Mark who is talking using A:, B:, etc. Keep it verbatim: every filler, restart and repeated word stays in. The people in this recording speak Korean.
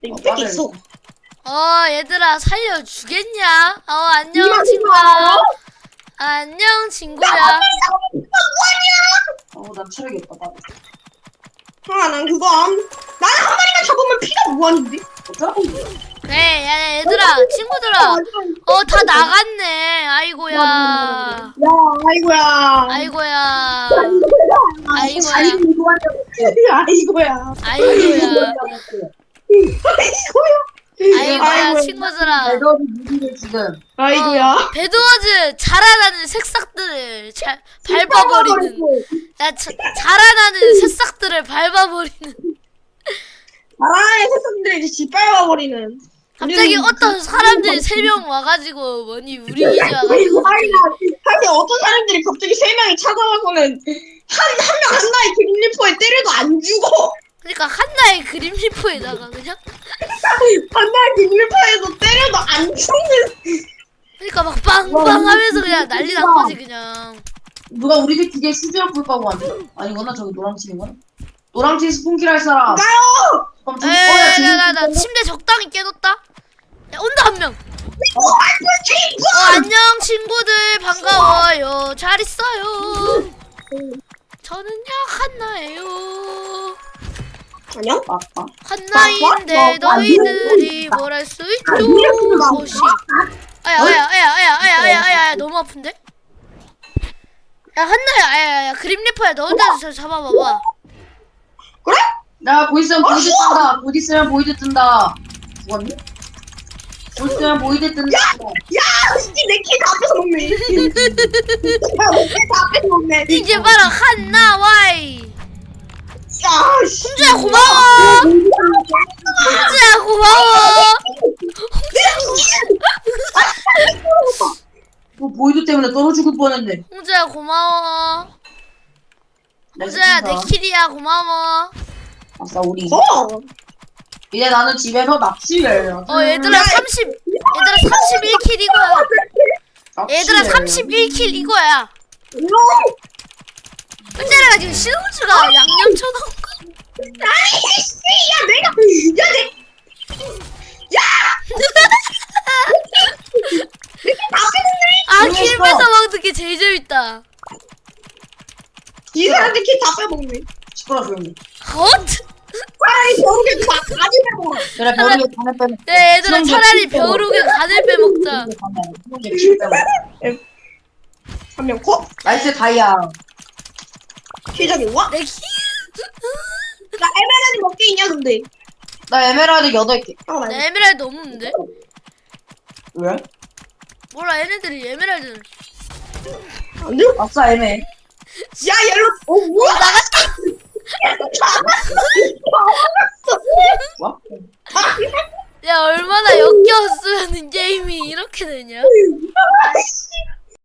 A: 이 있어.
B: 어 얘들아 살려주겠냐? 어 안녕
A: 이만
B: 친구야.
A: 이만.
B: 안녕 친구야.
C: 어, 나 체력이 없다. 나.
A: 아, 난 그거 안. 나는 한 마리만 잡으면 피가 무한인데?
C: 어쩌라고.
B: 그래 야 얘들아 친구들아. 어 다 나갔네. 아이고야.
A: 야, 아이고야.
B: 아이고야. 아이고야.
A: 아이고야.
B: 아이고야.
A: 아이고야.
B: 아이고야
A: 아이고야.
B: 친구들아.
C: 배더리 무기를 지금.
A: 아이고야.
B: 어, 배드워즈 자라나는 새싹들을 자, 밟아버리는. 야 자, 자라나는 새싹들을 밟아버리는.
A: 나라의 세상들이 이제 짓밟아버리는.
B: 갑자기
A: 우리는
B: 어떤
A: 그-
B: 사람들이 세 명 와가지고 뭐니 우리 기지 와가지고
A: 아이고,
B: 갑자기
A: 사실 어떤 사람들이 갑자기 세 명이 찾아와서는 한, 한 명 한나의 그림리퍼에 때려도 안 죽어.
B: 그러니까 한나의 그림 리포에다가 그냥
A: 한나의 그림리퍼에서 때려도 안 죽는.
B: 그러니까 막 빵빵 하면서 그냥 난리 난 거지 그냥.
C: 누가 우리 집 기계 수지랑 불 까고 왔네? 아니구나, 저기 노랑팀이구나. 노랑팀 스폰킬 할 사람.
A: 나요!
C: 그럼 저기, 어, 야,
B: 에이
C: 저기
B: 나, 나, 나
C: 있는데?
B: 침대 적당히 깨놓다. 야 온다 한 명.
A: 어, 아이고, 친구!
B: 어 안녕 친구들 반가워요. 잘 있어요. 저는요 한나예요.
A: 안녕?
C: 맞다.
B: 한나인데 너희들이 뭘 할 수 있죠? 오씨. 아야 아야 아야 아야 아야 아야 아야 너무 아픈데? 야 한나야 아야야 그림 리퍼야 너 혼자 저 잡아봐봐.
A: 그래?
C: 야, 곧 있으면 보이드 뜬다. 곧 있으면 보이드 뜬다. 죽었니? 곧 있으면 보이드 뜬다.
A: 야! 이게 내키다 앞에서 먹네. 야, 내키다 앞에서 먹네.
B: 이제 봐라 한나 와이.
A: 야, 씨.
B: 홍주야 고마워. 홍주야 고마워.
C: 뭐 보이드 때문에 떨어 죽을 뻔했네.
B: 홍주야 고마워.
C: 나
B: 홍주야
C: 진짜.
B: 내 킬이야 고마워.
C: 아싸, 우리.
A: 어!
C: 이제 나는 집에서 낚시를.
B: 어 얘들아 삼십 얘들아 삼십일 킬 이거야. 얘들아 삼십일 킬 이거야. 근데가 지금 신호주가 양념 쳐놓은 거.
A: 아니, 씨! 야, 내가. 야, 내.
B: 아,
C: 모르겠어.
B: 킬 뺏어 먹는 게 제일 재밌다.
A: 이 사람들 키다 빼먹네.
C: 시끄러 조용히.
B: 헛?
A: 차라리 저렇게 다 가지고.
C: 그래, 벼룩에 간을 빼먹.
B: 야, 얘들아 차라리 벼룩에 간을 빼먹자.
A: 한명 컷?
C: 나이스 다이아.
A: 시작이 와?
B: 내 킬?
A: 나 에메랄드 몇 개 있냐, 근데?
C: 나 에메랄드 여덟 개.
A: 잠깐만.
B: 나 에메랄드 없는데?
C: 왜?
B: 몰라 얘네들이 에메랄드는.
A: 안 돼?
C: 아싸 에메.
A: 야, 옐로. 어, 뭐야?
B: 나갔다.
C: 뭐?
B: 야 얼마나 역겨웠으면 게임이 이렇게 되냐?
A: 아이씨.